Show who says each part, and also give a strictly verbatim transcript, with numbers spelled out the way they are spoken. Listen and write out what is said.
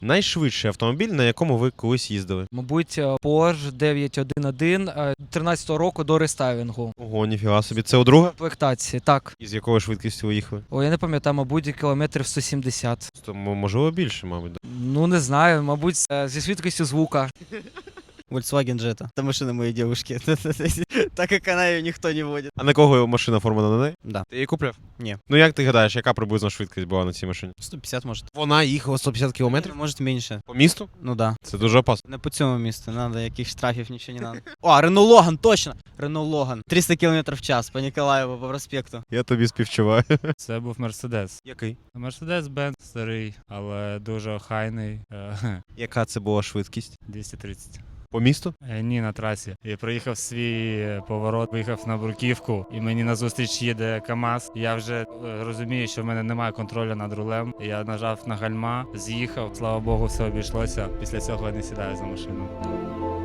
Speaker 1: Найшвидший автомобіль, на якому ви колись їздили?
Speaker 2: Мабуть, Porsche дев'ять один один тринадцятого року до рестайлінгу.
Speaker 1: Ого, ніфіга собі. Це у друга?
Speaker 2: Комплектації, так.
Speaker 1: І з якою швидкістю ви їхали?
Speaker 2: О, я не пам'ятаю, мабуть, кілометрів сто сімдесят.
Speaker 1: То, м- можливо, більше, мабуть. Да?
Speaker 2: Ну, не знаю, мабуть, е, зі швидкістю звука.
Speaker 3: Volkswagen Jetta. Это машина моей девушки. Так как она ее никто не водит.
Speaker 1: А на кого машина оформлена, на неї?
Speaker 3: Да.
Speaker 1: Ти її купляв?
Speaker 3: Ні.
Speaker 1: Ну як ти гадаєш, яка приблизно швидкість була на цій машині?
Speaker 3: сто пятьдесят может.
Speaker 1: Вона їхала сто п'ятдесят кілометрів?
Speaker 3: Может меньше.
Speaker 1: По місту?
Speaker 3: Ну да.
Speaker 1: Це дуже опасно.
Speaker 3: Не по цьому місту. Надо, яких штрафів, нічого не надо. О, Renault Logan, точно! Renault Logan. триста кілометрів в час по Ніколаєву, по проспекту.
Speaker 1: Я тобі співчуваю.
Speaker 4: Це був Мерседес.
Speaker 1: Який?
Speaker 4: Мерседес-Бенц старий, але дуже охайний. е,
Speaker 1: Яка це була швидкість?
Speaker 4: двісті тридцять.
Speaker 1: По місту?
Speaker 4: Е, Ні, на трасі. Я проїхав свій е, поворот, виїхав на бруківку, і мені назустріч їде КАМАЗ. Я вже е, розумію, що в мене немає контролю над рулем. Я нажав на гальма, з'їхав. Слава Богу, все обійшлося. Після цього я не сідаю за машину.